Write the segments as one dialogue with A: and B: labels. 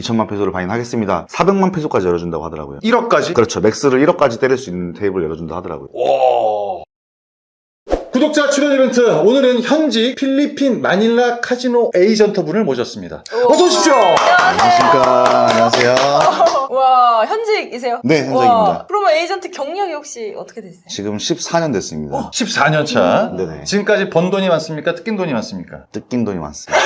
A: 2천만 페소를 반인하겠습니다. 400만 페소까지 열어준다고 하더라고요.
B: 1억까지?
A: 그렇죠. 맥스를 1억까지 때릴 수 있는 테이블 열어준다 하더라고요.
B: 와. 구독자 출연 이벤트, 오늘은 현직 필리핀 마닐라 카지노 에이전트 분을 모셨습니다. 어서 오십시오.
A: 안녕하십니까. 안녕하세요.
C: 와, 현직이세요?
A: 네, 현직입니다.
C: 그러면 에이전트 경력이 혹시 어떻게 되세요?
A: 지금 14년 됐습니다.
B: 14년 차.
A: 네네.
B: 지금까지 번 돈이 많습니까? 뜯긴 돈이 많습니까?
A: 뜯긴 돈이 많습니다.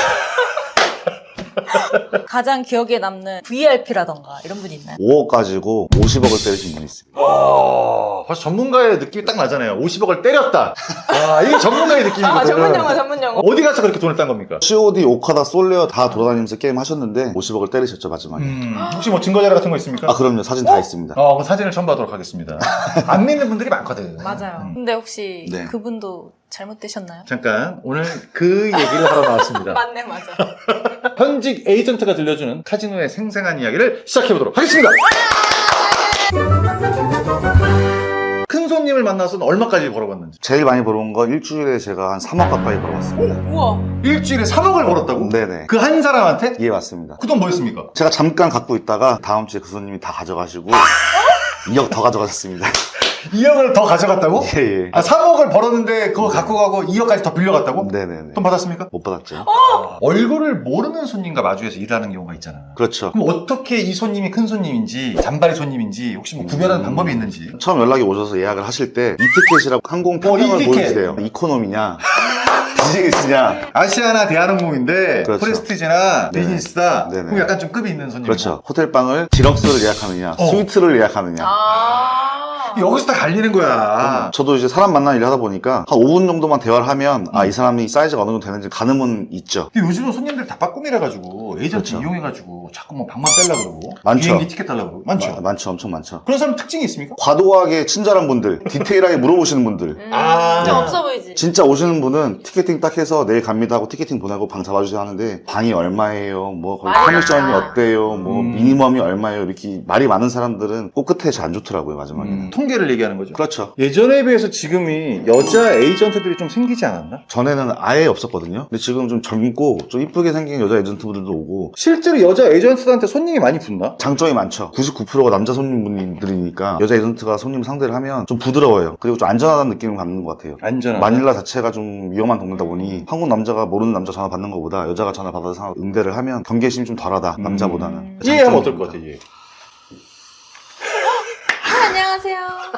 C: 가장 기억에 남는 VIP라던가 이런 분이 있나요?
A: 5억 가지고 50억을 때리신 분이 있습니다.
B: 벌써 전문가의 느낌이 딱 나잖아요. 50억을 때렸다. 아, 이게 전문가의 느낌이거든요.
C: 아, 전문 용어.
B: 어디 가서 그렇게 돈을 딴 겁니까?
A: COD, 오카다, 솔레어 다 돌아다니면서 게임 하셨는데 50억을 때리셨죠, 마지막에.
B: 혹시 뭐 증거자료 같은 거 있습니까?
A: 아, 그럼요. 사진 다 있습니다.
B: 그럼 사진을 첨부하도록 하겠습니다. 안 믿는 분들이 많거든.
C: 맞아요. 근데 혹시
A: 네.
C: 그분도 잘못되셨나요?
B: 잠깐, 오늘 그 얘기를 하러 나왔습니다.
C: 맞네, 맞아.
B: 현직 에이전트가 들려주는 카지노의 생생한 이야기를 시작해보도록 하겠습니다. 큰 손님을 만나서는 얼마까지 벌어봤는지.
A: 제일 많이 벌어온 건 일주일에 제가 한 3억 가까이 벌어봤습니다.
C: 우와.
B: 일주일에 3억을 벌었다고?
A: 네네.
B: 그 한 사람한테?
A: 예, 맞습니다.
B: 그 돈 뭐였습니까?
A: 제가 잠깐 갖고 있다가 다음 주에 그 손님이 다 가져가시고 2억 더 가져가셨습니다.
B: 2억을 더 가져갔다고?
A: 예, 예.
B: 3억을 벌었는데 그거 갖고 가고 2억까지 더 빌려갔다고?
A: 네네네.
B: 돈 받았습니까?
A: 못 받았죠.
B: 얼굴을 모르는 손님과 마주해서 일하는 경우가 있잖아.
A: 그렇죠.
B: 그럼 어떻게 이 손님이 큰 손님인지 잔바리 손님인지 혹시 뭐 구별하는 방법이 있는지.
A: 처음 연락이 오셔서 예약을 하실 때 이티켓이라고 항공 편명을
B: 이티켓.
A: 보여주세요. 이코노미냐, 비즈니스냐.
B: 아시아나 대한항공인데
A: 그렇죠.
B: 프레스티지나
A: 네네.
B: 비즈니스다.
A: 네네.
B: 그럼 약간 좀 급이 있는 손님.
A: 그렇죠. 호텔방을 디럭스를 예약하느냐, 스위트를 예약하느냐.
B: 여기서 다 갈리는 거야.
A: 저도 이제 사람 만나는 일을 하다 보니까 한 5분 정도만 대화를 하면 아, 이 사람이 사이즈가 어느 정도 되는지 가늠은 있죠.
B: 근데 요즘은 손님들 다 빠꿈이라가지고 에이전트
A: 그렇죠.
B: 이용해가지고 자꾸 뭐 방만 빼려고 그러고
A: 많죠.
B: 비행기 티켓 달라고 그러고 많죠.
A: 많죠. 엄청 많죠.
B: 그런 사람 특징이 있습니까?
A: 과도하게 친절한 분들, 디테일하게 물어보시는 분들.
C: 좀 없어 보이지?
A: 진짜 오시는 분은 티켓팅 딱 해서 내일 갑니다 하고 티켓팅 보내고 방 잡아주세요 하는데 방이 얼마예요? 뭐 거기
C: 맞아.
A: 커미션이 어때요? 뭐 미니멈이 얼마예요? 이렇게 말이 많은 사람들은 꼭 끝에 잘 안 좋더라고요, 마지막에는.
B: 통계를 얘기하는 거죠.
A: 그렇죠.
B: 예전에 비해서 지금이 여자 에이전트들이 좀 생기지 않았나?
A: 전에는 아예 없었거든요. 근데 지금 좀 젊고 좀 이쁘게 생긴 여자 에이전트분들도 오고
B: 실제로 여자 에이전트들한테 손님이 많이 붙나?
A: 장점이 많죠. 99%가 남자 손님분들이니까 여자 에이전트가 손님 상대를 하면 좀 부드러워요. 그리고 좀 안전하다는 느낌을 받는 것 같아요.
B: 안전하다.
A: 마닐라 자체가 좀 위험한 동네다 보니 한국 남자가 모르는 남자 전화 받는 것보다 여자가 전화 받아서 응대를 하면 경계심이 좀 덜하다, 남자보다는.
B: 이해하면 어떨 것 같아, 이해.
C: 안녕하세요.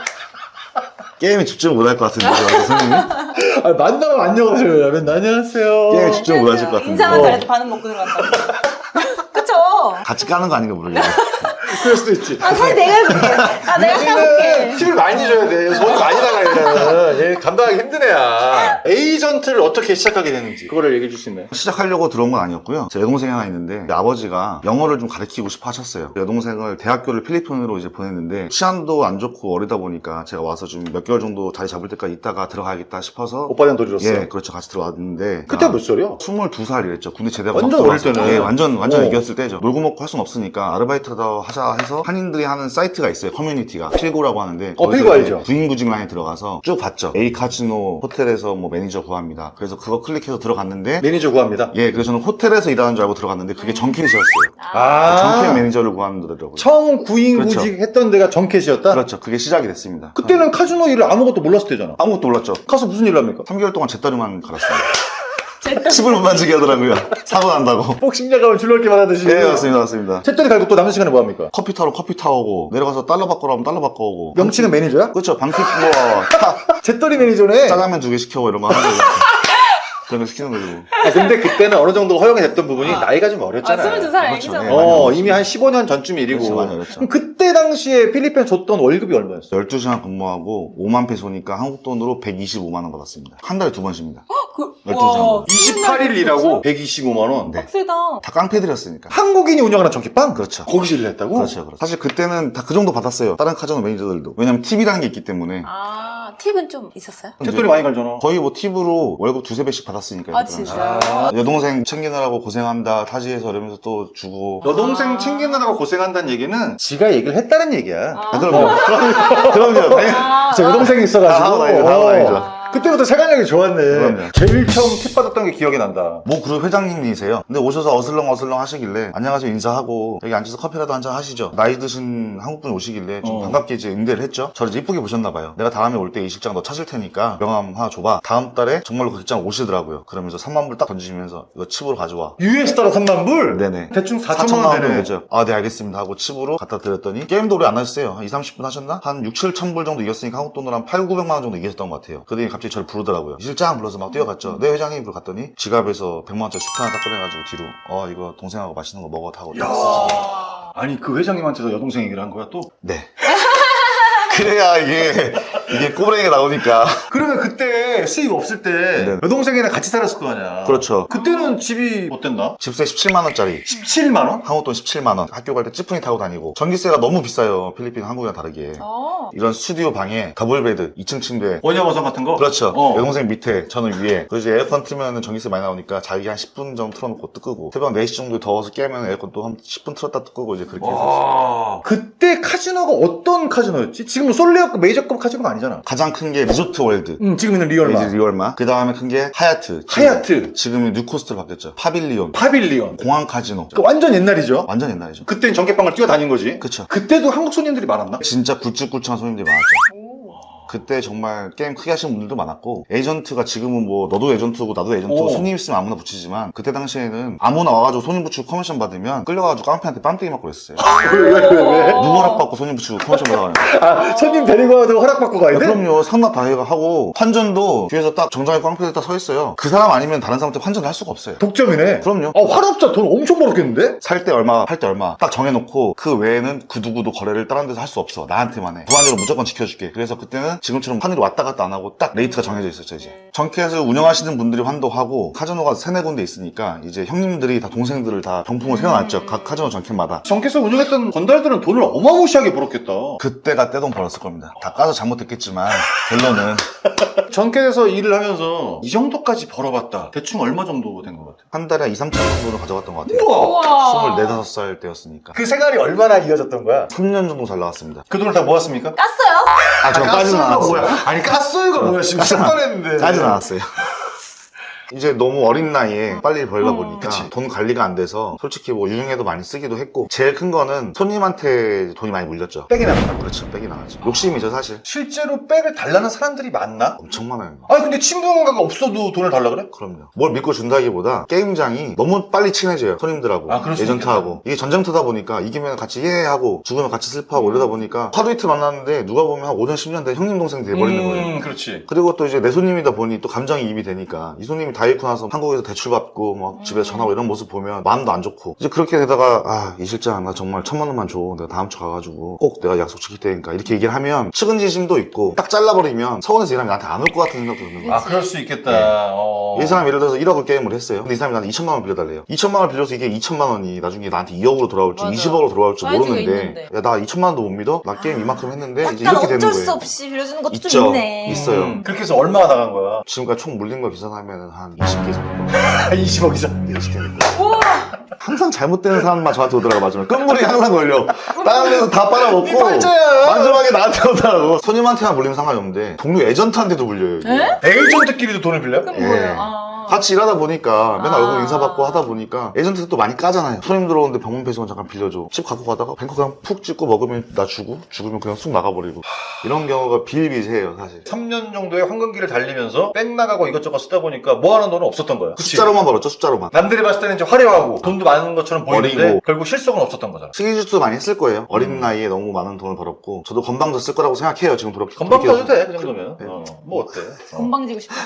A: 게임에 집중을 못 할 것 같은데, 선생님이?
B: 만나면 안녕하세요. 맨날 안녕하세요.
A: 게임에 집중을 못 하실 것 같은데.
C: 인사만 잘해도 반은 먹고 들어간다. 그쵸?
A: 같이 까는 거 아닌가 모르겠네.
B: 그럴 수도 있지.
C: 사실 내가 해볼게. 내가 까볼게.
B: 팁을 많이 줘야 돼. 돈이 많이 나가야 얘 감당하기 힘든 애야. 에이전트를 어떻게 시작하게 되는지 그거를 얘기해 줄 수 있나요?
A: 시작하려고 들어온 건 아니었고요. 제 여동생이 하나 있는데 아버지가 영어를 좀 가르치고 싶어 하셨어요. 여동생을 대학교를 필리핀으로 이제 보냈는데 치안도 안 좋고 어리다 보니까 제가 와서 좀 몇 개월 정도 자리 잡을 때까지 있다가 들어가야겠다 싶어서
B: 오빠는 돈이었어.
A: 예, 그렇죠. 같이 들어왔는데
B: 그때 몇 살이야?
A: 22살 이랬죠. 군대 제대하고
B: 완전
A: 막
B: 어릴
A: 들어와서.
B: 때네.
A: 예, 완전 애기였을 때죠. 놀고 먹고 할 순 없으니까 아르바이트도 하자 해서 한인들이 하는 사이트가 있어요. 커뮤니티가 필고라고 하는데
B: 필고
A: 거기서
B: 알죠?
A: 구인구직 라인에 들어가서 쭉 봤죠. A 카지노 호텔에서 뭐 매니저 구합니다. 그래서 그거 클릭해서 들어갔는데
B: 매니저 구합니다.
A: 예, 그래서 저는 호텔에서 일하는 줄 알고 들어갔는데 그게 정캐시였어요. 정캐 매니저를 구하더라고요.
B: 처음 구인구직
A: 그렇죠.
B: 했던 데가 정캐시였다?
A: 그렇죠. 그게 시작이 됐습니다.
B: 그때는 카지노 일을 아무것도 몰랐을 때잖아.
A: 아무것도 몰랐죠.
B: 가서 무슨 일을 합니까?
A: 3개월 동안 잿더리만 갈았어요. 칩을 못 만지게 하더라고요. 사고 난다고.
B: 복싱장 가면 줄넘기만 하듯이.
A: 네, 맞습니다.
B: 잿더리 갈고 또 남는 시간에 뭐 합니까?
A: 커피 타러 커피 타오고 내려가서 달러 바꿔라면 달러 바꿔오고.
B: 명칭은 매니저야?
A: 그렇죠. 방콕 뭐
B: 잿더리 매니저네.
A: 짜장면 2개 시켜 이런 거 하는 거죠. 그런 거 시키는 거죠.
B: 근데 그때는 어느 정도 허용이 됐던 부분이 나이가 좀 어렸잖아.
C: 22살
A: 그렇죠.
C: 애기잖아.
A: 네.
B: 이미 한 15년 전쯤 일이고.
A: 그렇죠, 많이 어렸죠.
B: 그럼 그때 당시에 필리핀 줬던 월급이 얼마였어?
A: 12시간 근무하고 5만 페소니까 한국 돈으로 125만 원 받았습니다. 한 달에 2번 쉽니다. 12시간.
B: 28일 일하고 125만원.
A: 네.
C: 빡세다.
A: 다 깡패들이었으니까.
B: 한국인이 운영하는 전기빵?
A: 그렇죠.
B: 거기서 일을 했다고?
A: 그렇죠. 사실 그때는 다 그 정도 받았어요. 다른 카지노 매니저들도. 왜냐면 팁이라는 게 있기 때문에.
C: 팁은 좀 있었어요?
B: 잿더리 많이 갈잖아.
A: 거의 뭐 팁으로 월급 2~3배씩 받았으니까.
C: 아, 진짜요?
A: 여동생 챙기느라고 고생한다 타지에서 이러면서 또 주고.
B: 여동생 챙기느라고 고생한다는 얘기는 지가 얘기를 했다는 얘기야.
A: 그럼요. 그럼요.
B: 제 여동생이 있어가지고.
A: 다행이죠.
B: 그때부터 세간력이 좋았네.
A: 그럼요.
B: 제일 처음 팁 받았던 게 기억이 난다.
A: 모 그룹 회장님이세요. 근데 오셔서 어슬렁어슬렁 하시길래 안녕하세요 인사하고 여기 앉아서 커피라도 한잔 하시죠. 나이 드신 한국분이 오시길래 좀 반갑게 이제 응대를 했죠. 저를 이제 이쁘게 보셨나 봐요. 내가 다음에 올 때 이 실장 너 찾을 테니까 명함 하나 줘봐. 다음 달에 정말로 그 실장 오시더라고요. 그러면서 3만 불 딱 던지시면서 이거 칩으로 가져와.
B: US 달러 3만 불?
A: 네네.
B: 대충 4천만
A: 4천만
B: 원
A: 원
B: 되네.
A: 되죠. 아, 네, 알겠습니다. 하고 칩으로 갖다 드렸더니 게임도 오래 안 하셨어요. 한 20, 30분 하셨나? 한 6, 7천 불 정도 이겼으니까 한국 돈으로 한 8, 900만 원 정도 이겼던 것 같아요. 그더니 갑자기 저를 부르더라고요. 이 실장 불러서 막 뛰어갔죠. 네, 회장님 불러 갔더니 지갑에서 100만 원짜리 수트 하나 딱 꺼내가지고 뒤로 이거 동생하고 맛있는 거 먹어 하고
B: 야. 아니 그 회장님한테도 여동생 얘기를 한 거야 또?
A: 네. 그래야 이게 꼬부랭이가 나오니까.
B: 그러면 그때 수입 없을 때
A: 네.
B: 여동생이랑 같이 살았을 거 아니야.
A: 그렇죠.
B: 그때는 집이 어땠나?
A: 집세 17만 원짜리.
B: 17만 원?
A: 한국 돈 17만 원. 학교 갈 때 찌푸니 타고 다니고. 전기세가 너무 비싸요. 필리핀 한국이랑 다르게. 이런 스튜디오 방에 더블베드 2층 침대.
B: 원야버선 같은 거?
A: 그렇죠. 여동생 밑에 저는 위에. 그리고 이제 에어컨 틀면 전기세 많이 나오니까 자기 한 10분 정도 틀어놓고 또 끄고 새벽 4시 정도 더워서 깨면 에어컨 또 한 10분 틀었다 또 끄고 이제 그렇게 해서.
B: 와. 그때 카지노가 어떤 카지노였지? 지금은 솔레어급 메이저급 카지노가 아니잖아.
A: 가장 큰 게 리조트 월드.
B: 지금 있는 리얼마.
A: 이제 리얼마. 그 다음에 큰 게 하얏트.
B: 하얏트.
A: 지금은 뉴코스트로 바뀌었죠. 파빌리온.
B: 파빌리온.
A: 공항 카지노.
B: 그 완전 옛날이죠.
A: 완전 옛날이죠.
B: 그땐 전개방을 뛰어다닌 거지.
A: 그쵸.
B: 그때도 한국 손님들이 많았나?
A: 진짜 굵직굵직한 손님들이 많았죠. 그때 정말 게임 크게 하시는 분들도 많았고 에이전트가 지금은 뭐 너도 에이전트고 나도 에이전트고
B: 오.
A: 손님 있으면 아무나 붙이지만 그때 당시에는 아무나 와가지고 손님 붙이고 커미션 받으면 끌려가지고 깡패한테 빰때기 맞고 그랬어요.
B: 왜?
A: 누구 허락받고 손님 붙이고 커미션 받아가는
B: 아, 손님 데리고 와도 허락받고 가야 돼?
A: 그럼요. 상납 다 하고 환전도 뒤에서 딱 정장에 깡패들 딱 서 있어요. 그 사람 아니면 다른 사람한테 환전을 할 수가 없어요.
B: 독점이네.
A: 그럼요.
B: 화납자 돈 엄청 벌었겠는데?
A: 살 때 얼마, 팔 때 얼마 딱 정해놓고 그 외에는 그 누구도 거래를 다른 데서 할 수 없어. 나한테만 해. 무한대로 무조건 지켜줄게. 그래서 그때는 지금처럼 환율이 왔다 갔다 안 하고 딱 레이트가 정해져 있었죠 이제. 정켓을 운영하시는 분들이 환도하고 카지노가 3-4군데 있으니까 이제 형님들이 다 동생들을 다 병풍을 세워놨죠. 각 카지노 정켓마다.
B: 정캐서 운영했던 건달들은 돈을 어마무시하게 벌었겠다.
A: 그때가 떼돈 벌었을 겁니다. 다 까서 잘못했겠지만 결론은
B: 정캐에서 일을 하면서 이 정도까지 벌어봤다. 대충 얼마 정도 된 것 같아?
A: 한 달에 2, 3천 정도는 가져갔던 것 같아요.
B: 우와!
C: 24,
A: 5살 때였으니까.
B: 그 생활이 얼마나 이어졌던 거야?
A: 3년 정도 잘 나왔습니다.
B: 그 돈을 다 모았습니까?
C: 깠어요?
A: 아, 저 까지는
B: 가스가
A: 않았어요.
B: 뭐야? 아니 가스가 뭐야 지금 시작했는데.
A: 까지는 않았어요. 이제 너무 어린 나이에 빨리 벌다 보니까
B: 그치.
A: 돈 관리가 안 돼서 솔직히 뭐 유흥에도 많이 쓰기도 했고 제일 큰 거는 손님한테 돈이 많이 물렸죠.
B: 백이 나가.
A: 그렇죠. 백이 나가죠. 욕심이죠 사실.
B: 실제로 백을 달라는 사람들이 많나?
A: 엄청 많아요.
B: 아니 근데 친분가가 없어도 돈을 달라 그래?
A: 그럼요. 뭘 믿고 준다기보다 게임장이 너무 빨리 친해져요. 손님들하고
B: 아, 그럴 수
A: 에이전트하고. 이게 전쟁터다 보니까 이기면 같이 예 하고 죽으면 같이 슬퍼하고 이러다 보니까 하루 이틀 만났는데 누가 보면 한 5년 10년 된 형님 동생 돼버리는 거예요.
B: 그렇지.
A: 그리고 또 이제 내 손님이다 보니 또 감정이입이 되니까 이 손님이 다 잃고 나서 한국에서 대출받고 막 집에서 전화하고 이런 모습 보면 마음도 안 좋고 이제 그렇게 되다가 이 실장 나 정말 1,000만 원만 줘. 내가 다음 주 가가지고 꼭 내가 약속 지킬 테니까 이렇게 얘기를 하면 측은지심도 있고 딱 잘라버리면 서울에서 일하면 나한테 안 올 것 같은 생각도 드는 거야.
B: 아 그럴 수 있겠다.
A: 이 사람이 예를 들어서 1억을 게임을 했어요. 근데 이 사람이 나한테 2천만 원 빌려달래요. 2천만 원 빌려서 이게 2천만 원이 나중에 나한테 2억으로 돌아올지
C: 맞아.
A: 20억으로 돌아올지
C: 사이즈가
A: 모르는데
C: 있는데.
A: 야 나 2천만 원도 못 믿어? 나 게임 이만큼 했는데 이제
C: 약간
A: 이렇게 되는
C: 어쩔
A: 거예요.
C: 수 없이 빌려주는 것도
A: 있죠.
C: 좀 있네.
A: 있어요.
B: 그렇게 해서 얼마가 나간 거야?
A: 지금까지 총 물린 거 계산하면 한 20개 정도.
B: 20억 이상.
A: 20개.
C: 우와!
A: 항상 잘못되는 사람만 저한테 오더라고 마지막에. 끝물이 항상 걸려. 다른 데서 다 빨아먹고
B: 이 팔자야.
A: 마지막에 나한테 오더라고. 손님한테만 물리면 상관이 없는데 동료 에이전트한테도 물려요. 이게.
C: 에?
B: 에이전트끼리도 돈을 빌려?
C: 그럼
A: 예.
C: 뭐예요? 아.
A: 같이 일하다 보니까 맨날
C: 아.
A: 얼굴 인사받고 하다 보니까 에이전트도 또 많이 까잖아요. 손님 들어오는데 병원 배송원 잠깐 빌려줘. 집 갖고 가다가 뱅커 그냥 푹 찍고 먹으면 나 주고 죽으면 그냥 쑥 나가버리고 이런 경우가 비일비재해요 사실.
B: 3년 정도의 황금기를 달리면서 백 나가고 이것저것 쓰다 보니까 모아놓은 돈은 없었던 거야. 그치?
A: 숫자로만 벌었죠 숫자로만.
B: 남들이 봤을 때는 이제 화려하고 돈도 많은 것처럼 보이는데
A: 어리고.
B: 결국 실속은 없었던 거잖아.
A: 시리즈도 많이 했을 거예요. 어린 나이에 너무 많은 돈을 벌었고 저도 건방도 쓸 거라고 생각해요. 지금 돌이켜.
B: 건방 가도 돼, 그 정도면.
A: 네.
B: 뭐 어때?
C: 건방지고 싶어.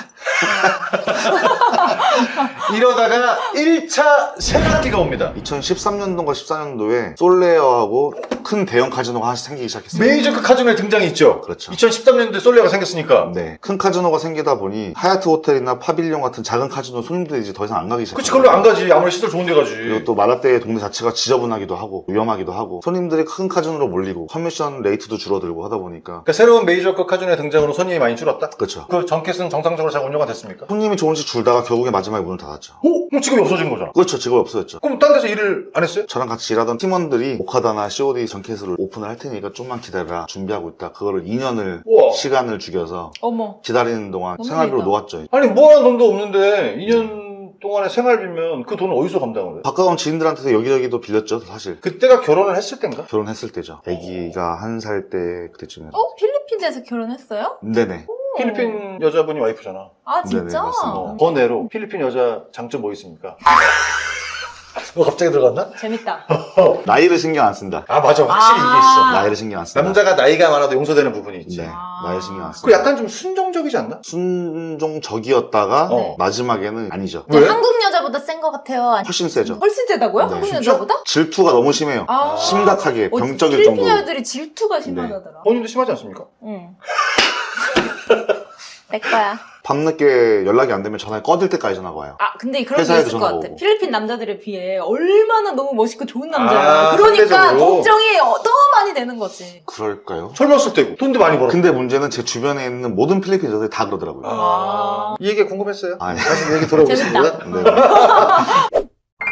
B: 이러다가 1차 세간기가 옵니다.
A: 2013년도인가 14년도에 솔레어하고 큰 대형 카지노가 하나씩 생기기 시작했어요.
B: 메이저급 카지노의 등장이 있죠.
A: 그렇죠.
B: 2013년도에 솔레가 생겼으니까.
A: 네. 큰 카지노가 생기다 보니 하얏트 호텔이나 파빌리온 같은 작은 카지노 손님들이 이제 더 이상 안 가기 시작해요.
B: 그치, 그걸로 안 가지. 아무리 시설 좋은 데 가지.
A: 그리고 또 마라떼 동네 자체가 지저분하기도 하고 위험하기도 하고 손님들이 큰 카지노로 몰리고 커미션 레이트도 줄어들고 하다 보니까
B: 그러니까 새로운 메이저급 카지노의 등장으로 손님이 많이 줄었다?
A: 그렇죠.
B: 그 정켓은 정상적으로 잘 운영가 됐습니까?
A: 손님이 조금씩 줄다가 그러다가 결국에 마지막에 문을 닫았죠.
B: 그럼 직업이 없어진 거잖아.
A: 그렇죠. 직업이 없어졌죠.
B: 그럼 딴 데서 일을 안 했어요?
A: 저랑 같이 일하던 팀원들이 오카다나 COD 전캐스를 오픈을 할 테니까 좀만 기다려라 준비하고 있다. 그거를 2년을
B: 우와.
A: 시간을 죽여서
C: 어머.
A: 기다리는 동안
C: 너무
A: 생활비로
C: 재밌다.
A: 놓았죠.
B: 아니 모아놓은 돈도 없는데 2년 동안의 생활비면 그 돈을 어디서 감당을 해?
A: 가까운 지인들한테서 여기저기도 빌렸죠. 사실
B: 그때가 결혼을 했을 땐가?
A: 결혼했을 때죠. 아기가 1살 때 그때쯤에.
C: 필리핀에서 결혼했어요?
A: 네네.
B: 필리핀 여자분이 와이프잖아.
C: 아,
A: 네네,
C: 진짜?
A: 맞습니다.
B: 번외로 필리핀 여자 장점 뭐 있습니까? 갑자기 들어갔나?
C: 재밌다.
A: 나이를 신경 안 쓴다.
B: 아 맞아 확실히 이게 있어.
A: 나이를 신경 안 쓴다.
B: 남자가 나이가 많아도 용서되는 부분이 있지.
A: 네. 나이를 신경 안
B: 그
A: 쓴다.
B: 약간 좀 순종적이지 않나?
A: 순종적이었다가
C: 네.
A: 마지막에는 아니죠.
B: 왜?
C: 한국 여자보다 센 것 같아요. 아니,
A: 훨씬 세죠.
C: 훨씬 세다고요?
A: 네.
C: 한국
B: 진짜?
C: 여자보다?
A: 질투가 너무 심해요.
C: 아.
A: 심각하게 병적일
C: 필리핀
A: 정도로.
C: 여자들이 질투가 심하다더라.
B: 본인도 심하지 않습니까?
C: 응. 내 거야.
A: 밤늦게 연락이 안 되면 전화에 꺼질 때까지 전화가 와요.
C: 아, 근데 그런 게
A: 회사에도
C: 있을 것
A: 전화
C: 같아.
A: 오고.
C: 필리핀 남자들에 비해 얼마나 너무 멋있고 좋은 남자야.
B: 아,
C: 그러니까
B: 상대적으로.
C: 걱정이 더 많이 되는 거지.
A: 그럴까요?
B: 젊었을 때고 돈도 많이 벌었고.
A: 근데 문제는 제 주변에 있는 모든 필리핀 여자들이 다 그러더라고요.
C: 아.
B: 이 얘기 궁금했어요.
A: 아, 네.
B: 다시 얘기 들어보겠습니다.
A: 네.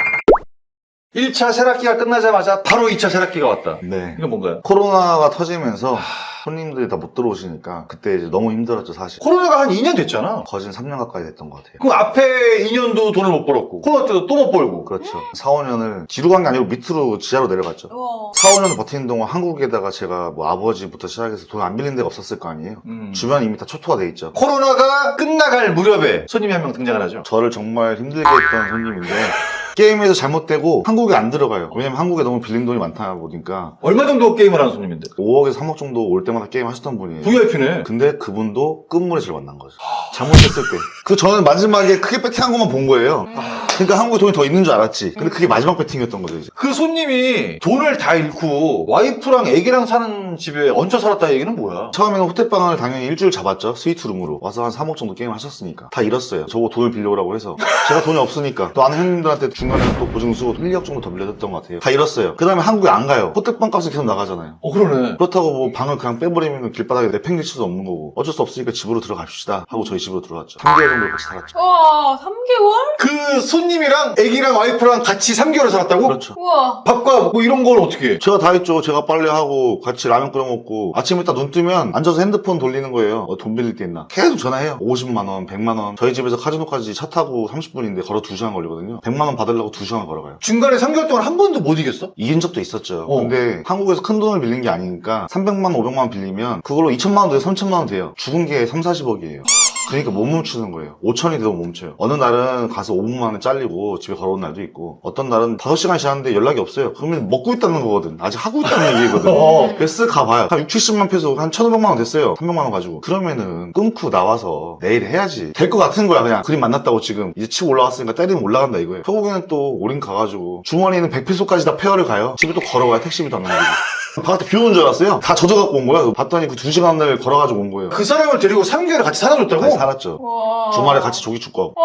B: 1차 세락기가 끝나자마자 바로 2차 세락기가 왔다.
A: 네.
B: 이건 뭔가요?
A: 코로나가 터지면서 손님들이 다 못 들어오시니까 그때 이제 너무 힘들었죠, 사실.
B: 코로나가 한 2년 됐잖아.
A: 거진 3년 가까이 됐던 것 같아요.
B: 그 앞에 2년도 돈을 못 벌었고 코로나 때도 또 못 벌고.
A: 그렇죠. 4, 5년을 뒤로 간 게 아니고 밑으로 지하로 내려갔죠.
C: 우와.
A: 4, 5년을 버티는 동안 한국에다가 제가 뭐 아버지부터 시작해서 돈 안 빌린 데가 없었을 거 아니에요. 주변이 이미 다 초토화 돼 있죠.
B: 코로나가 끝나갈 무렵에 손님이 한 명 등장을 하죠.
A: 저를 정말 힘들게 했던 손님인데 게임에서 잘못되고 한국에 안 들어가요. 왜냐면 한국에 너무 빌린 돈이 많다 보니까
B: 얼마 정도 게임을 하는 손님인데?
A: 5억에서 3억 정도 올 때마다 게임 하셨던 분이에요.
B: VIP네.
A: 근데 그분도 끝물에 저를 만난 거죠. 잘못했을 때. 그 저는 마지막에 크게 배팅한 것만 본 거예요. 그러니까 한국에 돈이 더 있는 줄 알았지. 근데 그게 마지막 배팅이었던 거죠, 이제.
B: 그 손님이 돈을 다 잃고 와이프랑 애기랑 사는 집에 얹혀 살았다 얘기는 뭐야?
A: 처음에는 호텔방을 당연히 일주일 잡았죠. 스위트룸으로. 와서 한 3억 정도 게임 하셨으니까. 다 잃었어요. 저거 돈을 빌려오라고 해서. 제가 돈이 없으니까. 또 아는 형님들한테 중간에 또 보증수 1억 정도 더 빌려줬던 것 같아요. 다 잃었어요. 그 다음에 한국에 안 가요. 호텔방 값은 계속 나가잖아요.
B: 그러네.
A: 그렇다고 뭐 방을 그냥 빼버리면 길바닥에 내팽길 수도 없는 거고. 어쩔 수 없으니까 집으로 들어갑시다 하고 저희 집으로 들어왔죠. 3개월 정도 같이 살았죠.
C: 우와, 3개월?
B: 그 손님이랑 애기랑 와이프랑 같이 3개월을 살았다고?
A: 그렇죠.
C: 우와.
B: 밥과 뭐 이런 걸 어떻게 해?
A: 제가 다 했죠. 제가 빨래하고 같이 라면 끓여 먹고 아침에 딱 눈 뜨면 앉아서 핸드폰 돌리는 거예요. 돈 빌릴 때 있나? 계속 전화해요. 50만 원, 100만 원. 저희 집에서 카지노까지 차 타고 30분인데 걸어 2시간 걸리거든요. 100만 원 받으려고 2시간 걸어가요.
B: 중간에 3개월 동안 한 번도 못 이겼어?
A: 이긴 적도 있었죠.
B: 어.
A: 근데 한국에서 큰 돈을 빌린 게 아니니까 300만 원, 500만 원 빌리면 그걸로 2천만 원 돼요. 3천만 원 돼요. 죽은 게 3, 40억이에요. 그러니까 못 멈추는 거예요. 5천이 돼도 못 멈춰요. 어느 날은 가서 5분만 원에 잘리고 집에 걸어온 날도 있고 어떤 날은 5시간 지났는데 연락이 없어요. 그러면 먹고 있다는 거거든. 아직 하고 있다는 얘기거든. 그래서 쓱 가봐요. 한 6, 70만 페소 한 1,500만 원 됐어요. 300만 원 가지고. 그러면은 끊고 나와서 내일 해야지. 될 것 같은 거야 그냥. 그림 만났다고 지금. 이제 치고 올라갔으니까 때리면 올라간다 이거예요. 결국에는 또 올인 가가지고 주머니는 100페소까지 다 페어를 가요. 집에 또 걸어가요. 택시비도 안 나오고. 바깥에 비 오는 줄 알았어요. 다 젖어갖고 온 거야. 봤더니 그 2시간을 걸어가지고 온 거예요.
B: 그 사람을 데리고 3개월 같이 살아줬다고?
A: 같이 살았죠.
C: 우와.
A: 주말에 같이 조기 축구 하고.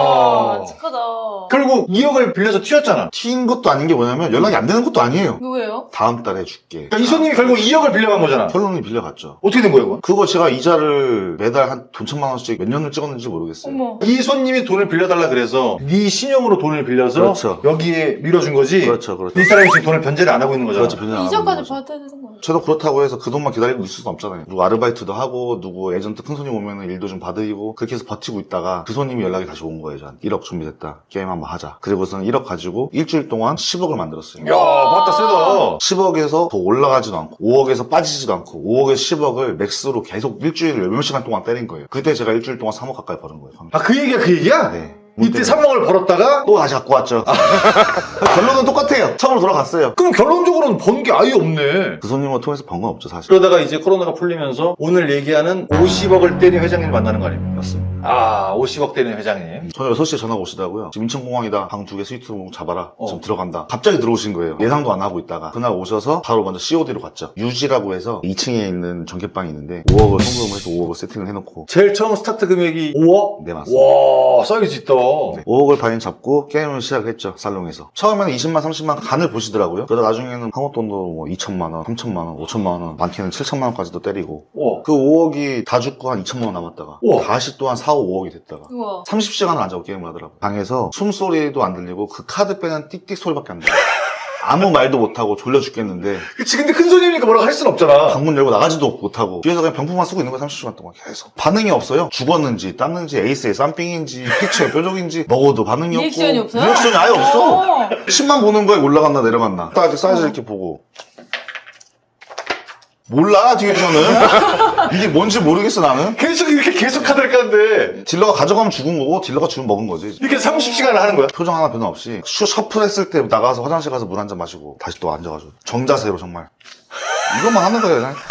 C: 와,
B: 야.
C: 착하다.
B: 결국 2억을 빌려서 튀었잖아.
A: 튀인 것도 아닌 게 뭐냐면 연락이 안 되는 것도 아니에요.
C: 이거 왜요?
A: 다음 달에 줄게.
B: 그러니까 이 손님이 결국 2억을 빌려간 거잖아.
A: 결론이 빌려갔죠.
B: 어떻게 된 거예요, 그건?
A: 그거 제가 이자를 매달 한 돈 1,000만 원씩 몇 년을 찍었는지 모르겠어요.
C: 어머.
B: 이 손님이 돈을 빌려달라 그래서 네 신용으로 돈을 빌려서
A: 그렇죠.
B: 여기에 밀어준 거지.
A: 그렇죠, 그렇죠.
B: 이 사람이 지금 돈을 변제를 안 하고 있는 거잖아.
A: 그렇죠, 변경 안 하고
C: 이자까지
A: 있는 거죠.
C: 받아야 되는 거예요.
A: 저도 그렇다고 해서 그 돈만 기다리고 있을 수는 없잖아요. 누구 아르바이트도 하고 누구 에이전트 큰 손님 오면 일도 좀 받으리고 그렇게 해서 버티고 있다가 그 손님이 연락이 다시 온 거예요. 저한테 1억 준비됐다. 게임 한번 하자. 그리고서는 1억 가지고 일주일 동안 10억을 만들었어요.
B: 야, 맞다, 세다.
A: 10억에서 더 올라가지도 않고 5억에서 빠지지도 않고 5억에서 10억을 맥스로 계속 일주일을 몇 시간 동안 때린 거예요. 그때 제가 일주일 동안 3억 가까이 버는 거예요.
B: 아, 그 얘기야, 그 얘기야?
A: 네.
B: 이때 3억을 벌었다가
A: 또 다시 갖고 왔죠. 결론은 똑같아요. 처음으로 돌아갔어요.
B: 그럼 결론적으로는 번 게 아예 없네.
A: 그 손님을 통해서 번 건 없죠, 사실.
B: 그러다가 이제 코로나가 풀리면서 오늘 얘기하는 50억을 때린 회장님 만나는 거 아닙니까?
A: 맞습니다.
B: 아, 50억 때린 회장님.
A: 저는 6시에 전화가 오시더라고요. 지금 인천공항이다. 방 2개 스위트룸 잡아라.
B: 어.
A: 지금 들어간다. 갑자기 들어오신 거예요. 예상도 안 하고 있다가. 그날 오셔서 바로 먼저 COD로 갔죠. 유지라고 해서 2층에 있는 전켓방이 있는데 5억을 송금을 해서 5억을 세팅을 해놓고.
B: 제일 처음 스타트 금액이 5억?
A: 네, 맞습니다.
B: 와, 사이즈 있다. 그럼.
A: 5억을 바인 잡고 게임을 시작했죠, 살롱에서. 처음에는 20만, 30만 간을 보시더라고요. 그러다 나중에는 한국돈도 뭐 2천만 원, 3천만 원, 5천만 원, 많게는 7천만 원까지도 때리고.
B: 우와.
A: 그 5억이 다 죽고 한 2천만 원 남았다가
B: 우와.
A: 다시 또 한 4, 5억이 됐다가
C: 우와.
A: 30시간을 안 자고 게임을 하더라고요. 방에서 숨소리도 안 들리고 그 카드 빼는 띡띡 소리밖에 안 들려요. 아무 말도 못하고 졸려 죽겠는데
B: 그치, 근데 큰 손님이니까 뭐라고 할 순 없잖아.
A: 방문 열고 나가지도 못하고 뒤에서 그냥 병풍만 쓰고 있는 거야. 30시간 동안 계속 반응이 없어요. 죽었는지 땄는지 에이스의 쌈삥인지 피처의 뾰족인지 먹어도 반응이 없고
C: 리액션이 없어요?
A: 리액션이 아예 없어.
C: 어.
A: 10만 보는 거에 올라갔나 내려갔나 딱 이렇게 사이즈 이렇게 보고 몰라 뒤에서는 이게 뭔지 모르겠어 나는.
B: 계속 이렇게 계속 카드를 까는데
A: 딜러가 가져가면 죽은 거고 딜러가 주면 먹은 거지.
B: 이렇게 30시간을 하는 거야?
A: 표정 하나 변화 없이 셔플했을 때 나가서 화장실 가서 물 한 잔 마시고 다시 또 앉아가지고 정자세로 정말 이것만 하는 거예요 그냥.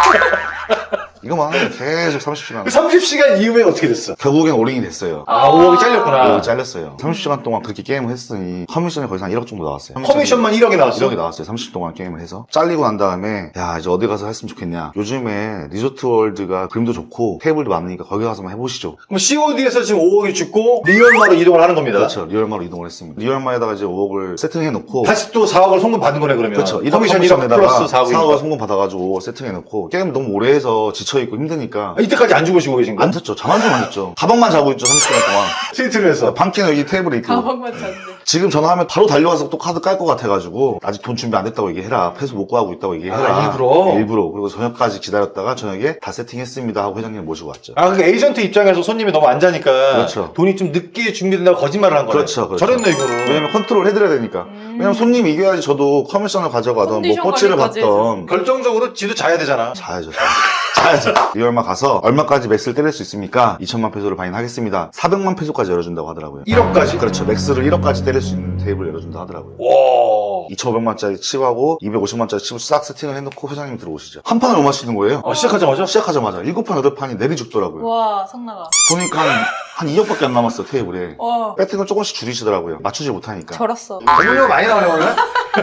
A: 이것만 하는 거예요. 계속 30시간.
B: 30시간 이후에 어떻게 됐어?
A: 결국엔 올인이 됐어요.
B: 아, 5억이 잘렸구나.
A: 5억이 잘렸어요. 30시간 동안 그렇게 게임을 했으니 커미션이 거의 한 1억 정도 나왔어요.
B: 커미션만 1억이 나왔어?
A: 1억이 나왔어요. 30분 동안 게임을 해서. 잘리고 난 다음에 야 이제 어디 가서 했으면 좋겠냐. 요즘에 리조트 월드가 그림도 좋고 테이블도 많으니까 거기 가서만 해보시죠.
B: 그럼 COD에서 지금 5억이 죽고 리얼마로 이동을 하는 겁니다.
A: 그렇죠. 리얼마로 이동을 했습니다. 리얼마에다가 이제 5억을 세팅해놓고
B: 다시 또 4억을 송금 받은 거네 그러면.
A: 그렇죠.
B: 커미션 1억 플러스 4억이니까.
A: 4억을 송금 받아가지고 5억 세팅해놓고 게임 너무 오래 해서 지쳐있고 힘드니까
B: 이때까지 안 주무시고 계신 거야?
A: 안 잤죠. 잠 한 좀 안 잤죠. 가방만 자고 있죠. 30시간 동안.
B: 시트를 해서.
A: 방키는 여기 테이블에 있고
C: 가방만 잤는데.
A: 지금 전화하면 바로 달려와서 또 카드 깔 것 같아가지고 아직 돈 준비 안 됐다고 얘기해라. 패스 못 구하고 있다고 얘기해라.
B: 아, 일부러?
A: 일부러. 그리고 저녁까지 기다렸다가 저녁에 다 세팅했습니다 하고 회장님 모시고 왔죠.
B: 아, 그러니까 에이전트 입장에서 손님이 너무 안 자니까
A: 그렇죠.
B: 돈이 좀 늦게 준비된다고 거짓말을 한 거네.
A: 그렇죠. 그렇죠.
B: 저랬네 이거는.
A: 왜냐면 컨트롤 해드려야 되니까. 왜냐면 손님이 이겨야지 저도 커미션을 가져가던 뭐
C: 컨디션
A: 꼬치를
C: 관리까지
A: 받던
B: 결정적으로 지도 자야 되잖아.
A: 자야죠. 자야죠. 리얼마 가서 얼마까지 맥스를 때릴 수 있습니까? 2천만 페소를 바인하겠습니다. 400만 페소까지 열어준다고 하더라고요.
B: 1억까지?
A: 그렇죠. 맥스를 1억까지 때릴 수 있는 테이블 열어준다 하더라고요.
B: 와.
A: 2,500만짜리 칩하고 250만짜리 칩을 싹 세팅을 해놓고 회장님이 들어오시죠. 한 판을 못 마시는 거예요.
B: 시작하자마자?
A: 시작하자마자 7판, 8판이 내리 죽더라고요.
C: 와, 성나가.
A: 보니까 한 2억밖에 안 남았어, 테이블에.
C: 와.
A: 배팅을 조금씩 줄이시더라고요. 맞추지 못하니까.
C: 절었어.
B: 돈이 많이 나오네 오늘?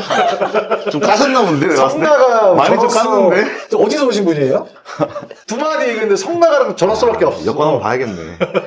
A: 좀 까셨나 본데, 내가 봤을 때.
B: 성나가
A: 많이 좀
B: 전화써.
A: 깠는데?
B: 어디서 오신 분이에요? 두 마디 얘기했는데 성나가랑 전화써밖에 없어.
A: 여권 한번 봐야겠네.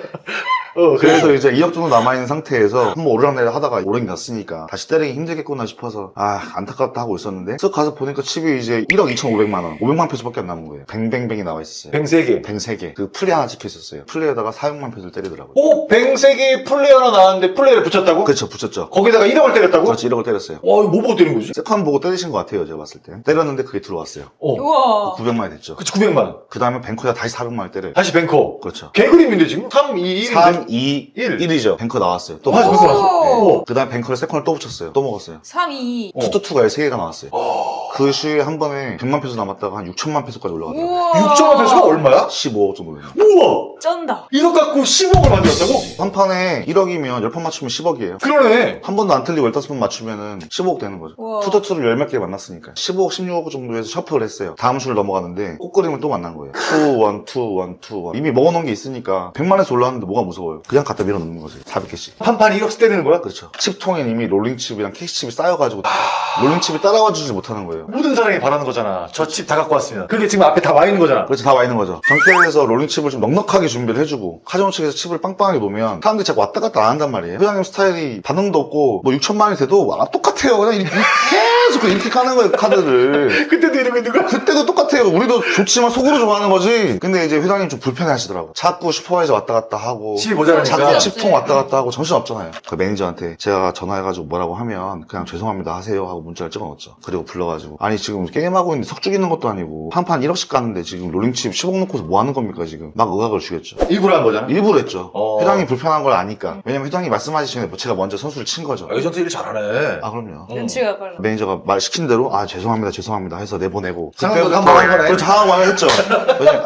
B: 그래서
A: 그래서 이제 2억 정도 남아있는 상태에서 한번 오르락내리락 하다가 오르긴 갔으니까 다시 때리기 힘들겠구나 싶어서 안타깝다 하고 있었는데 쓱 가서 보니까 칩이 이제 1억 2,500만 원 500만 페소밖에 안 남은 거예요. 뱅뱅뱅이 나와 있었어요.
B: 뱅 3개.
A: 뱅 3개. 그 플레이 하나 찍혀 있었어요. 플레이에다가 400만 페소를 때리더라고요.
B: 오, 뱅 3개 플레이 하나 나왔는데 플레이를 붙였다고?
A: 그렇죠. 붙였죠.
B: 거기다가 1억을 때렸다고?
A: 그렇지. 1억을 때렸어요.
B: 와, 이거 뭐 보고 때린 거지?
A: 세컨 보고 때리신 것 같아요. 제가 봤을 때. 때렸는데 그게 들어왔어요.
C: 우와.
A: 900만이 됐죠.
B: 그치, 900만.
A: 그 다음에 뱅커에다 다시 400만을 때려요.
B: 다시 뱅커.
A: 그렇죠.
B: 개그림인데 지금? 3, 2, 1.
A: 3, 2,
B: 1.
A: 1이죠. 뱅커 나왔어요. 또
B: 다시
A: 먹었어요.
B: 뱅커 나왔어.
C: 오.
A: 그 다음에 뱅커를 세컨을 또 붙였어요. 또 먹었어요.
C: 3, 2.
A: 투투투가 3개가 나왔어요. 그 시에 한 번에 100만 페소 남았다가 한 6천만 페소까지 올라가더라고요.
C: 우와.
B: 6천만 페소가 얼마야?
A: 15억 정도 되는.
B: 우와!
C: 쩐다.
B: 1억 갖고 10억을 만들었다고?
A: 한 판에 1억이면 10판 맞추면 10억이에요.
B: 그러네.
A: 한 번도 안 틀리고 15번 맞추면은 15억 되는 거죠.
C: 우와.
A: 투투투를 10몇 개 만났으니까. 15억, 16억 정도 해서 셔플을 했어요. 다음 수를 넘어가는데 꽃그림을 또 만난 거예요. 2, 1, 2, 1, 2, 1. 이미 먹어놓은 게 있으니까 100만에서 올라왔는데 뭐가 무서워요. 그냥 갖다 밀어넣는 거지. 400개씩.
B: 한 판에 1억씩 때리는 거야?
A: 그렇죠. 칩통엔 이미 롤링칩이랑 캐시칩이 쌓여가지고 롤링칩이 따라와 주지 못하는 거예요.
B: 모든 사람이 바라는 거잖아. 저 칩 다 갖고 왔습니다. 그게 지금 앞에 다 와 있는 거잖아.
A: 그렇지, 다 와 있는 거죠. 정캐에서 롤링칩을 좀 넉넉하게 준비를 해주고 카지노 측에서 칩을 빵빵하게 놓으면 사람들이 자꾸 왔다 갔다 안 한단 말이에요. 회장님 스타일이 반응도 없고 뭐 6천만이 돼도 똑같아요. 그냥 이렇게 계속 이렇게 까는 거예요, 카드를.
B: 그때도 이러고 있는 거야?
A: 그때도 똑같아요. 우리도 좋지만 속으로 좋아하는 거지. 근데 이제 회장님 좀 불편해 하시더라고. 자꾸 슈퍼바이저 왔다 갔다 하고.
B: 칩이 모자라니까.
A: 자꾸
C: 정신없지.
A: 칩통 왔다 갔다 하고 정신없잖아요. 그 매니저한테 제가 전화해가지고 뭐라고 하면 그냥 죄송합니다 하세요 하고 문자를 찍어놓었죠. 그리고 불러가지고 아니 지금 게임하고 있는데 석 죽이는 것도 아니고 한 판 1억씩 가는데 지금 롤링칩 10억 놓고서 뭐 하는 겁니까 지금. 막 의학을 주겠죠.
B: 일부러 한 거잖아.
A: 일부러 했죠. 회장이 불편한 걸 아니까.
B: 음.
A: 왜냐면 회장이 말씀하시기 전에 제가 먼저 선수를 친 거죠.
B: 에이전트 일 잘하네.
A: 아 그럼요.
C: 눈치가 빨라.
A: 매니저가 말 시킨 대로 죄송합니다 해서 내보내고
B: 상황도 한번 한 거네.
A: 그렇죠. 상황을 했죠. 회장님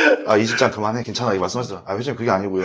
A: 이 직장 그만해 괜찮아 이 말씀하시더라. 회장님 그게 아니고요.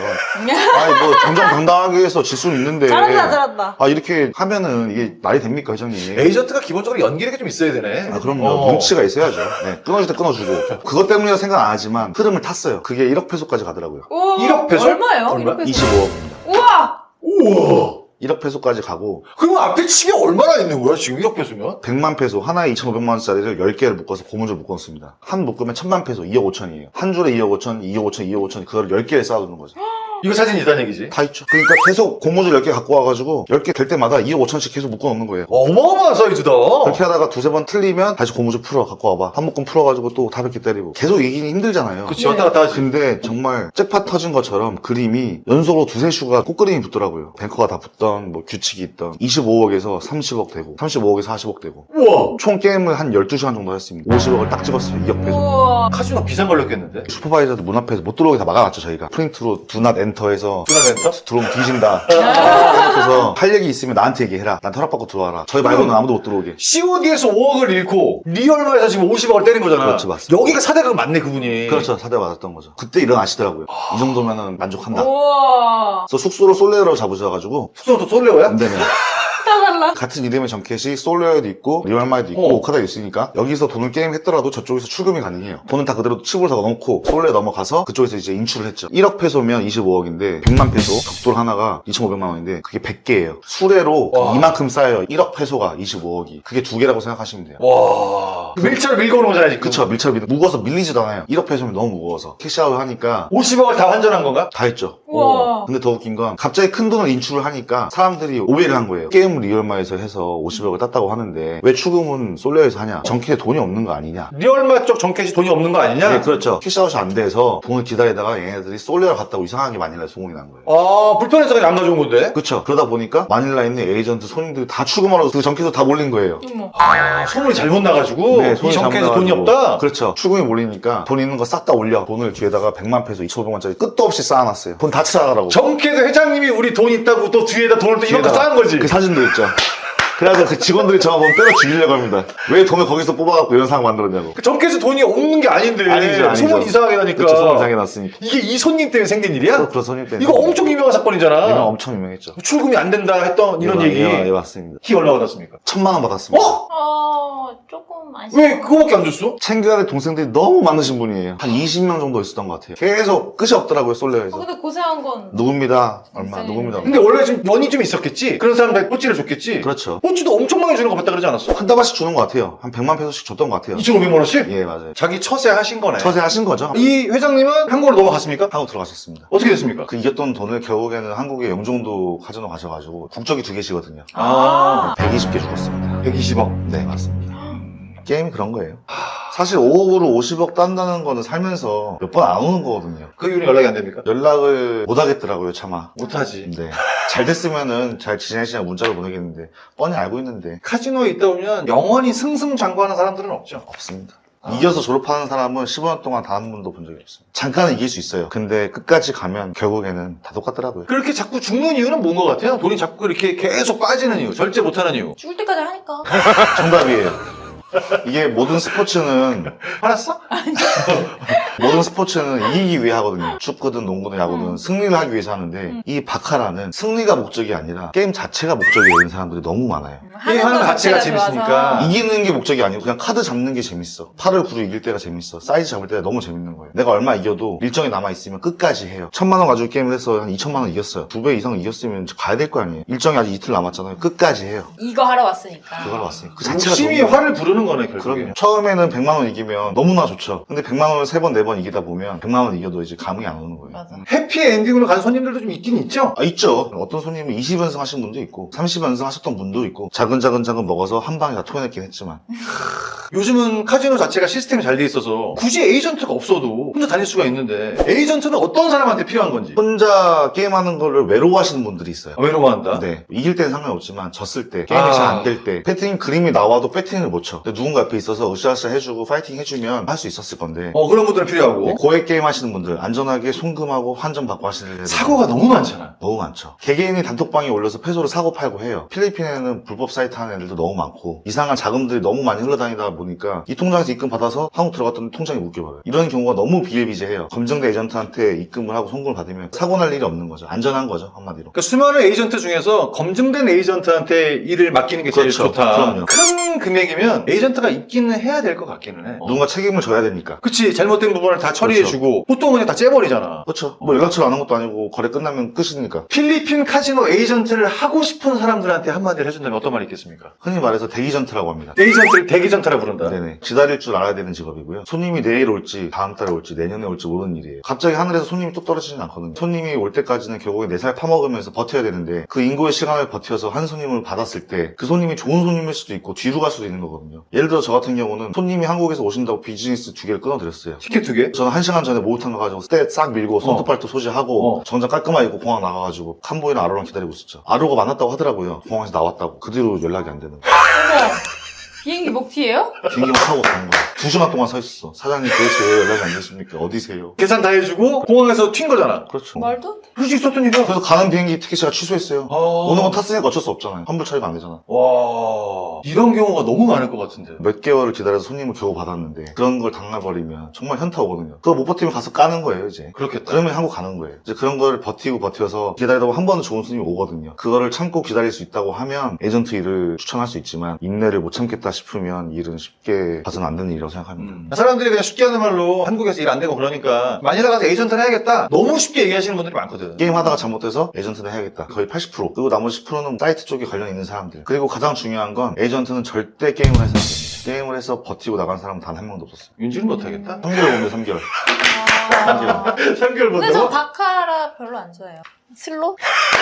A: 뭐 정정당당하게 해서 질 수는 있는데
C: 잘한다.
A: 이렇게 하면은 이게 말이 됩니까 회장님?
B: 에이전트가 기본적으로 연기력이 좀 있어야 되네.
A: 그럼요. 눈치가 있어야죠. 네, 끊어줄 때 끊어주고 그것 때문이라 생각 안 하지만 흐름을 탔어요. 그게 1억 페소까지 가더라고요.
C: 우와.
B: 1억 페소?
C: 얼마예요?
B: 얼마?
C: 1억 페소.
A: 25억입니다.
C: 우와.
B: 우와.
A: 1억 페소까지 가고
B: 그럼 앞에 칩이 얼마나 있는 거야 지금 1억 페소면?
A: 100만 페소 하나에 2,500만 원짜리를 10개를 묶어서 고무줄 묶었습니다. 한 묶으면 1,000만 페소 2억 5천이에요. 한 줄에 2억 5천, 2억 5천, 2억 5천 그걸 10개를 쌓아두는 거죠.
B: 이거 사진이 있다는 얘기지.
A: 다 있죠. 그러니까 계속 고무줄 10개 갖고 와가지고 10개 될 때마다 2억 5천씩 계속 묶어놓는 거예요.
B: 어마어마한 사이즈다.
A: 그렇게 하다가 두세 번 틀리면 다시 고무줄 풀어 갖고 와봐. 한 묶음 풀어가지고 또 다섯 개 때리고. 계속 이기긴 힘들잖아요.
B: 그치, 왔다 갔다 하지.
A: 근데 정말 잭팟 터진 것처럼 그림이 연속으로 두세 슈가 꽃그림이 붙더라고요. 뱅커가 다 붙던 뭐 규칙이 있던 25억에서 30억 되고 35억에서 40억 되고
B: 우와.
A: 총 게임을 한 12시간 정도 했습니다. 50억을 딱 찍었어요. 2억 배속.
C: 우와.
B: 카지노 비상 걸렸겠는데?
A: 슈퍼바이저도 문 앞에서 못 들어오게 다 막아놨죠. 저희가 프린트로 두낫 엔터해서
B: 투나멘터?
A: 들어오면 뒤진다. 그래서 할 얘기 있으면 나한테 얘기해라. 난 허락받고 들어와라. 저희 말고는 아무도 못 들어오게.
B: COD에서 5억을 잃고 리얼마에서 지금 50억을 때린 거잖아.
A: 그렇지, 맞습니다.
B: 여기가 사대가 맞네, 그분이.
A: 그렇죠. 사대 맞았던 거죠. 그때 일어나시더라고요. 이 정도면은 만족한다.
C: 우와.
A: 그래서 숙소를 솔레어로 잡으셔가지고
B: 숙소도 솔레오야?
A: 안 되면
C: 다 달라.
A: 같은 이름의 정켓이 솔레어에도 있고 리얼마에도 있고 오카다도 있으니까 여기서 돈을 게임 했더라도 저쪽에서 출금이 가능해요. 돈은 다 그대로 칩으로 다 넣고 솔레어 넘어가서 그쪽에서 이제 인출을 했죠. 1억 페소면 25억인데 100만 페소 벽돌 하나가 2,500만 원인데 그게 100개예요. 수레로
B: 와.
A: 이만큼 쌓여요. 1억 페소가 25억이. 그게 두 개라고 생각하시면 돼요.
B: 와. 밀차로 밀고 오는 거잖아, 지금.
A: 그쵸. 밀착 무거워서 밀리지도 않아요. 1억 페소면 너무 무거워서 캐시아웃 하니까
B: 50억을 다 환전한 건가?
A: 다 했죠.
C: 우와.
A: 근데 더 웃긴 건 갑자기 큰 돈을 인출을 하니까 사람들이 오해를 한 거예요. 게임 리얼마에서 해서 50억을 땄다고 하는데 왜 추금은 솔레어에서 하냐? 정캐에 돈이 없는 거 아니냐?
B: 리얼마 쪽 정캐시 돈이 없는 거 아니냐?
A: 네, 그렇죠. 캐시아웃이 안 돼서 돈을 기다리다가 얘네들이 솔레어 갔다고 이상하게 마닐라에 소문이 난 거예요.
B: 아, 불편해서 그냥 안 가져온 건데?
A: 그렇죠. 그러다 보니까 마닐라에 있는 에이전트 손님들이 다 추금하러 그 정캐에서 다 몰린 거예요.
C: 어머.
B: 아, 소문이 잘못 나가지고
A: 네,
B: 이
A: 손이
B: 정캐에서 돈이
A: 잘못
B: 없다?
A: 그렇죠. 추금이 몰리니까 돈 있는 거 싹 다 올려. 돈을 뒤에다가 100만 페소, 2,500원짜리 끝도 없이 쌓아놨어요. 돈 다 찾아가라고.
B: 정캐에서 회장님이 우리 돈 있다고 또 뒤에다 돈을 또 이만큼 쌓은 거지?
A: 그 사진도 있죠. 그래서 그 직원들이 저거 보면 때려 죽이려고 합니다. 왜 돈을 거기서 뽑아갖고 이런 상황 만들었냐고.
B: 그 정캐에서 돈이 없는 게 아닌데
A: 아니죠.
B: 소문 이상하게 나니까
A: 그렇죠. 소문 이상하게 났으니까.
B: 이게 이 손님 때문에 생긴 일이야?
A: 그런 손님 때문에.
B: 이거 엄청 유명한 사건이잖아.
A: 이거 엄청 유명했죠.
B: 출금이 안 된다 했던 이런 얘기.
A: 예, 맞습니다.
B: 키 얼마 받았습니까?
A: 1,000만 원 받았습니다.
C: 조금 아쉽다.
B: 왜 그거밖에 안 줬어?
A: 챙겨야 될 동생들이 너무 많으신 분이에요. 한 20명 정도 있었던 것 같아요. 계속 끝이 없더라고요, 솔레어에서.
C: 근데 고생한 건.
A: 누굽니다. 얼마,
C: 진짜
A: 누굽니다.
B: 근데 원래 좀 연이 좀 있었겠지? 그런 사람들 꼬치를 줬겠지?
A: 그렇죠.
B: 꼬치도 엄청 많이 주는 거 봤다 그러지 않았어?
A: 한 달씩 주는 것 같아요. 한 100만 페소씩 줬던 것 같아요.
B: 2,500만 원씩?
A: 예, 맞아요.
B: 자기 처세 하신 거네.
A: 처세하신 거죠?
B: 이 회장님은 한국으로 넘어갔습니까?
A: 한국 들어가셨습니다.
B: 어떻게 됐습니까?
A: 그 이겼던 돈을 결국에는 한국의 영종도 카지노 가셔가지고 국적이 2개시거든요.
B: 아,
A: 120개 죽었습니다.
B: 120억.
A: 네, 맞습니다. 게임이 그런 거예요. 사실 5억으로 50억 딴다는 거는 살면서 몇 번 안 오는 거거든요.
B: 그 이후로 연락이 안 됩니까?
A: 연락을 못 하겠더라고요, 차마.
B: 못하지.
A: 네. 잘 됐으면은 잘 지내시냐 문자로 보내겠는데 뻔히 알고 있는데
B: 카지노에 있다 보면 영원히 승승장구하는 사람들은 없죠.
A: 없습니다. 이겨서 졸업하는 사람은 15년 동안 단 한 번도 본 적이 없어요. 잠깐은 이길 수 있어요. 근데 끝까지 가면 결국에는 다 똑같더라고요.
B: 그렇게 자꾸 죽는 이유는 뭔 것 같아요? 돈이 자꾸 이렇게 계속 빠지는 이유, 절제 못하는 이유.
C: 죽을 때까지 하니까.
A: 정답이에요. 이게 모든 스포츠는
B: 알았어?
A: 모든 스포츠는 이기기 위해 하거든요. 축구든 농구든 야구든 승리를 하기 위해서 하는데 이 바카라는 승리가 목적이 아니라 게임 자체가 목적이 되는 사람들이 너무 많아요.
B: 게임하는
C: 것
B: 자체가
C: 좋아서.
B: 재밌으니까.
A: 이기는 게 목적이 아니고 그냥 카드 잡는 게 재밌어. 8을 9로 이길 때가 재밌어. 사이즈 잡을 때가 너무 재밌는 거예요. 내가 얼마 이겨도 일정이 남아있으면 끝까지 해요. 1,000만 원 가지고 게임을 해서 한 2,000만 원 이겼어요. 2배 이상 이겼으면 이제 가야 될 거 아니에요. 일정이 아직 이틀 남았잖아요. 끝까지 해요.
C: 이거 하러 왔으니까.
A: 그걸 왔으니까. 그 자체가
B: 욕심이
A: 너무
B: 화를 부르는 거네, 결국에.
A: 그럼요. 처음에는 100만 원 이기면 너무나 좋죠. 근데 100만 원을 3번, 4번 이기다 보면 100만 원 이겨도 이제 감흥이 안 오는 거예요.
C: 맞아.
B: 해피 엔딩으로 간 손님들도 좀 있긴 있죠?
A: 아, 있죠. 어떤 손님은 20연승 하신 분도 있고 30연승 하셨던 분도 있고 작은 먹어서 한 방에 다 토해냈긴 했지만
B: 요즘은 카지노 자체가 시스템이 잘 돼 있어서 굳이 에이전트가 없어도 혼자 다닐 수가 있는데 에이전트는 어떤 사람한테 필요한 건지.
A: 혼자 게임하는 거를 외로워하시는 분들이 있어요.
B: 외로워한다?
A: 네. 이길 때는 상관없지만 졌을 때 게임이 잘 안 될 때 배팅 그림이 나와도 배팅을 못 쳐. 근데 누군가 옆에 있어서 으쌰으쌰 해주고 파이팅 해주면 할 수 있었을 건데
B: 그런 분들은 필요하고.
A: 네, 고액 게임 하시는 분들 안전하게 송금하고 환전 받고 하시는 애들
B: 사고가 너무 많잖아.
A: 너무 많죠. 개개인이 단톡방에 올려서 패소를 사고 팔고 해요. 필리핀에는 불법 사이트 하는 애들도 너무 많고 이상한 자금들이 너무 많이 흘러다니다 보니까 이 통장에서 입금 받아서 한국 들어갔더니 통장이 묶여버려요. 이런 경우가 너무 비일비재해요. 검증된 에이전트한테 입금을 하고 송금을 받으면 사고 날 일이 없는 거죠. 안전한 거죠, 한마디로.
B: 그러니까 수많은 에이전트 중에서 검증된 에이전트한테 일을 맡기는 게 제일
A: 그렇죠.
B: 좋다.
A: 그럼요.
B: 큰 금액이면 에이전트가 있기는 해야 될 것 같기는 해.
A: 누군가 책임을 져야 되니까.
B: 그치, 잘못된 부분을 다 처리해주고 보통은 그냥 다 째버리잖아.
A: 그렇죠. 뭐 연락처를 안 한 것도 아니고 거래 끝나면 끝이니까.
B: 필리핀 카지노 에이전트를 하고 싶은 사람들한테 한마디를 해준다면 어떤 말이 있겠습니까?
A: 흔히 말해서 대기전트라고 합니다.
B: 에이전트를 대기전트라 부른다.
A: 네네. 기다릴 줄 알아야 되는 직업이고요. 손님이 내일 올지, 다음 달에 올지, 내년에 올지 모르는 일이에요. 갑자기 하늘에서 손님이 뚝 떨어지진 않거든요. 손님이 올 때까지는 결국에 내 살 파먹으면서 버텨야 되는데 그 인고의 시간을 버텨서 한 손님을 받았을 때 그 손님이 좋은 손님일 수도 있고 뒤로 갈 수도 있는 거거든요. 예를 들어 저 같은 경우는 손님이 한국에서 오신다고 비즈니스 2개를 끊어드렸어요.
B: 티켓 2개?
A: 저는 1시간 전에 목욕탕 가가지고 스테 싹 밀고 손톱 발톱 소지하고 정장 깔끔하게 입고 공항 나가가지고 칸보이랑 아로랑 기다리고 있었죠. 아로가 만났다고 하더라고요. 공항에서 나왔다고. 그 뒤로 연락이 안 되는 거예요.
C: 어머, 비행기 먹튀예요?
A: 비행기만 타고 간 거예요. 2시간 동안 서 있었어. 사장님 도대체 왜 연락이 안 되십니까? 어디세요?
B: 계산 다 해주고 공항에서 튄 거잖아.
A: 그렇죠.
C: 말도 안 돼.
B: 그렇지 있었던 일이야.
A: 그래서 가는 비행기 티켓 제가 취소했어요.
B: 아.
A: 오는 건 탔으니까 어쩔 수 없잖아요. 환불 처리가 안 되잖아.
B: 와, 이런 경우가 너무 많을 것 같은데.
A: 몇 개월을 기다려서 손님을 겨우 받았는데 그런 걸 당해버리면 정말 현타 오거든요. 그거 못 버티면 가서 까는 거예요 이제.
B: 그렇겠다.
A: 그러면 한국 가는 거예요. 이제 그런 걸 버텨서 기다리다 보면 한 번은 좋은 손님이 오거든요. 그거를 참고 기다릴 수 있다고 하면 에이전트 일을 추천할 수 있지만 인내를 못 참겠다 싶으면 일은 쉽게 봐서는 안 되는 일이라고 생각합니다.
B: 사람들이 그냥 쉽게 하는 말로 한국에서 일 안 되고 그러니까 마닐라 가서 에이전트를 해야겠다. 너무 쉽게 얘기하시는 분들이 많거든.
A: 게임 하다가 잘못돼서 에이전트는 해야겠다. 거의 80%. 그리고 나머지 10%는 사이트 쪽에 관련 있는 사람들. 그리고 가장 중요한 건 에이전트는 절대 게임을 해서는 안 됩니다. 게임을 해서 버티고 나간 사람은 단 한 명도 없었어요.
B: 윤지는 못하겠다.
A: 3개월 봅니다, 3개월.
C: 아.
B: 3개월
C: 근데 저
B: 본다고?
C: 바카라 별로 안 좋아해요. 슬로?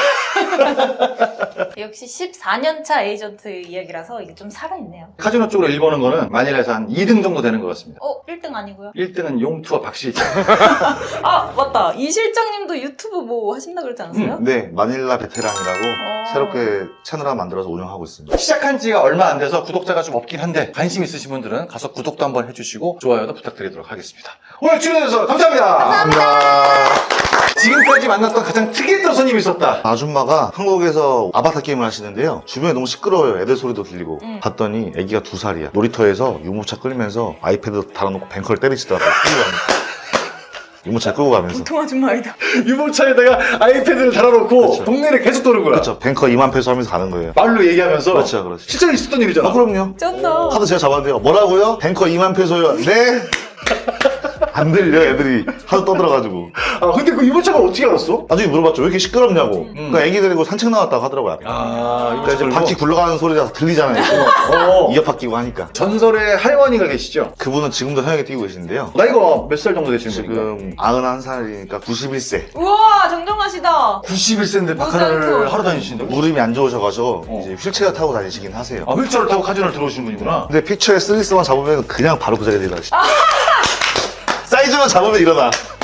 C: 역시 14년차 에이전트 이야기라서 이게 좀 살아있네요.
B: 카지노 쪽으로 일 버는 거는 마닐라에서 한 2등 정도 되는 것 같습니다.
C: 1등 아니고요?
B: 1등은 용투와 박실장.
C: 아, 맞다. 이 실장님도 유튜브 뭐 하신다 그러지 않았어요?
A: 네, 마닐라 베테랑이라고
C: 어.
A: 새롭게 채널 하나 만들어서 운영하고 있습니다.
B: 시작한 지가 얼마 안 돼서 구독자가 좀 없긴 한데 관심 있으신 분들은 가서 구독도 한번 해주시고 좋아요도 부탁드리도록 하겠습니다. 오늘 출연해주셔서 감사합니다.
A: 감사합니다.
B: 지금까지 만났던 가장 특이했던 손님이 있었다.
A: 아줌마가 한국에서 아바타 게임을 하시는데요. 주변에 너무 시끄러워요. 애들 소리도 들리고. 봤더니 애기가 2살이야. 놀이터에서 유모차 끌면서 아이패드 달아놓고 뱅커를 때리시더라고요. 끌고 가면서. 유모차 끌고 가면서.
C: 보통 아줌마 아니다.
B: 유모차에다가 아이패드를 달아놓고
A: 그렇죠.
B: 동네를 계속 도는 거야.
A: 그렇죠. 뱅커 2만 페소 하면서 가는 거예요.
B: 말로 얘기하면서.
A: 그렇죠, 그렇죠.
B: 실제로 있었던 일이잖아.
A: 그럼요.
C: 쩐다.
A: 카드 제가 잡았는데요. 뭐라고요? 뱅커 2만 페소요. 네? 안 들려, 애들이. 하도 떠들어가지고.
B: 아, 근데 그 유모차가 어떻게 알았어?
A: 나중에 물어봤죠. 왜 이렇게 시끄럽냐고. 그러니까 애기 데리고 산책 나왔다고 하더라고요. 앞에.
B: 아,
A: 그러니까 이제 바퀴 굴러가는 소리가 들리잖아요.
B: 어.
A: 이어팟 끼고 하니까.
B: 전설의 할머니가 계시죠?
A: 그분은 지금도 현역에 뛰고 계신데요.
B: 나이가 몇 살 정도 되시는 분인가?
A: 지금 91살이니까 91세.
C: 우와, 정정하시다.
B: 91세인데
C: 못
B: 바카라를
C: 살고.
B: 하러 다니시는데?
A: 무릎이 안 좋으셔가지고 이제 휠체어 타고 다니시긴 하세요.
B: 아, 휠체어를 타고 카지노를 들어오시는 분이구나.
A: 근데 픽처에 쓰리스만 잡으면 그냥 바로 그 자리에 일어나시죠. 사이즈만 잡으면 일어나.